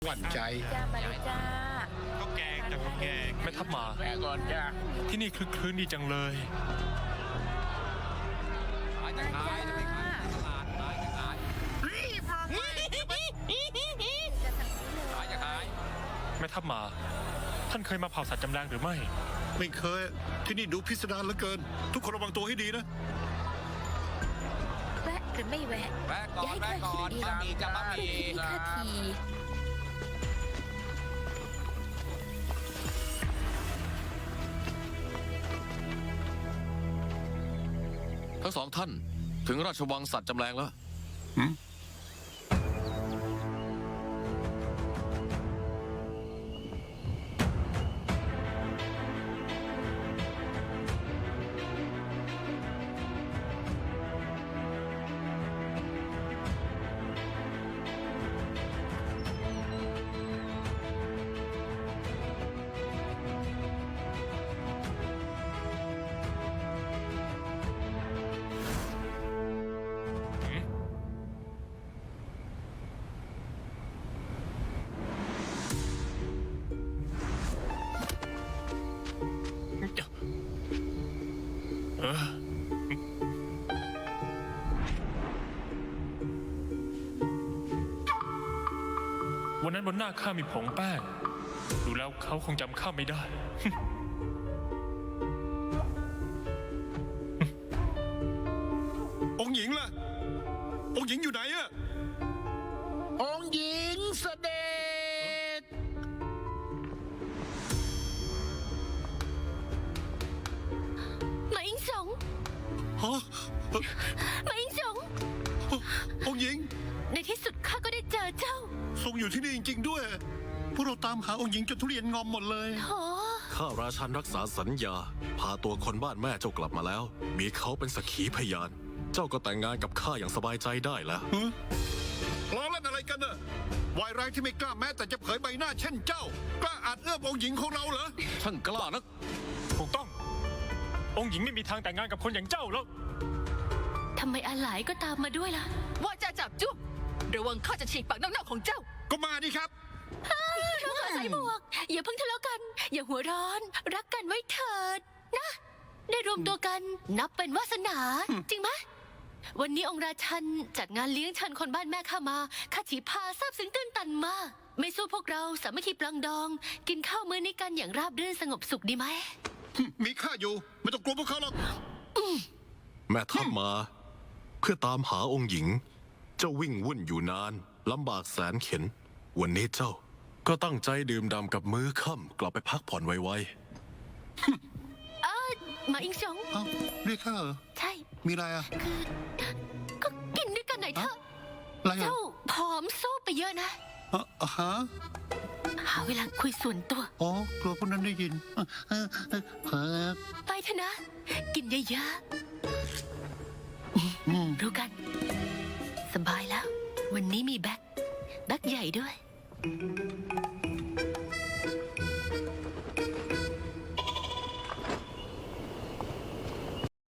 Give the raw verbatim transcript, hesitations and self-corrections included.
หวั่นใจจ้ามาเลยจ้าข้าวแกงจากข้าวแกงแม่ทัพมาแม่ก่อนจ้าที่นี่คลึกคลื้นดีจังเลยขายจะขายจะไปขายตลาดขายจะขายจะสั่งซื้อเลยขายจะขายแม่ทัพมา ท่านเคยมาเผาสัตว์จำแรงหรือไม่ไม่เคยที่นี่ดูพิสดารเหลือเกิน ทุกคนระวังตัวให้ดีนะแวะหรือไม่แวะแวะก่อนอย่าให้แวะข้าก่อคินดเองบะหมี่จะบะหเพื่อมี่ที่ให้ข้าทีทั้งสองท่านถึงราชวังสัตว์จำแรงแล้วเออวันนั้นบนหน้าข้ามีผงแป้ง ดูแล้วเขาคงจำข้าไม่ได้องค์หญิงล่ะ องค์หญิงอยู่ไหนอะองค์หญิงเสด็จหมาอิงสงฮะหมาอิงสงองค์หญิงในที่สุดข้าก็ได้เจอเจ้าทรงอยู่ที่นี่จริงๆด้วย พวกเราตามหาองค์หญิงจนทุเรียนงอมหมดเลยโถข้าราชันรักษาสัญญา พาตัวคนบ้านแม่เจ้ากลับมาแล้ว มีเขาเป็นสักขีพยาน เจ้าก็แต่งงานกับข้าอย่างสบายใจได้แล้วฮะล้อเล่นอะไรกันน่ะวายร้ายที่ไม่กล้าแม้แต่จะเผยใบหน้าเช่นเจ้า กล้าอาจเอื้อมองค์หญิงของเราเหรอช่างกล้านักถูกต้อง องค์หญิงไม่มีทางแต่งงานกับคนอย่างเจ้าแล้วทำไมอาหลายก็ตามมาด้วยล่ะว่าจะจับจุ๊บระวังข้าจะฉีกปากน้องๆของเจ้าก็มาดิครับเราขอใส่หมวก อย่าเพิ่งทะเลาะกัน อย่าหัวร้อน รักกันไว้เถิดนะ ได้รวมตัวกันนับเป็นวาสนา จริงไหมวันนี้องค์ราชันจัดงานเลี้ยงเชิญคนบ้านแม่ข้ามาข้าฉีพาซาบซึ้งตื้นตันมากไม่สู้พวกเราสามัคคีปลังดอง กินข้าวมื้อนี้กันอย่างราบรื่นสงบสุขดีไหมมีข้าอยู่ ไม่ต้องกลัวพวกเขาหรอกแม่ทัพมา เพื่อตามหาองค์หญิง เจ้าวิ่งวุ่นอยู่นานลำบากแสนเข็ญวันนี้เจ้า ก็ตั้งใจดื่มด่ำกับมื้อค่ำกลับไปพักผ่อนไวเออหมาอิงสงเอ้าเรียกข้าเหรอใช่มีอะไรอะคือก็กินด้วยกันหน่อยเถอะอะไรอะเจ้าผอมโซบไปเยอะนะอ่ะอ่ะฮะหาเวลาคุยส่วนตัวอ๋อกลัวพวกนั้นได้ยินเออเออเออเออไปเถอะนะ กินเยอะอืมๆรู้กัน สบายแล้ว วันนี้มีแบ็คแบ็คใหญ่ด้วยอ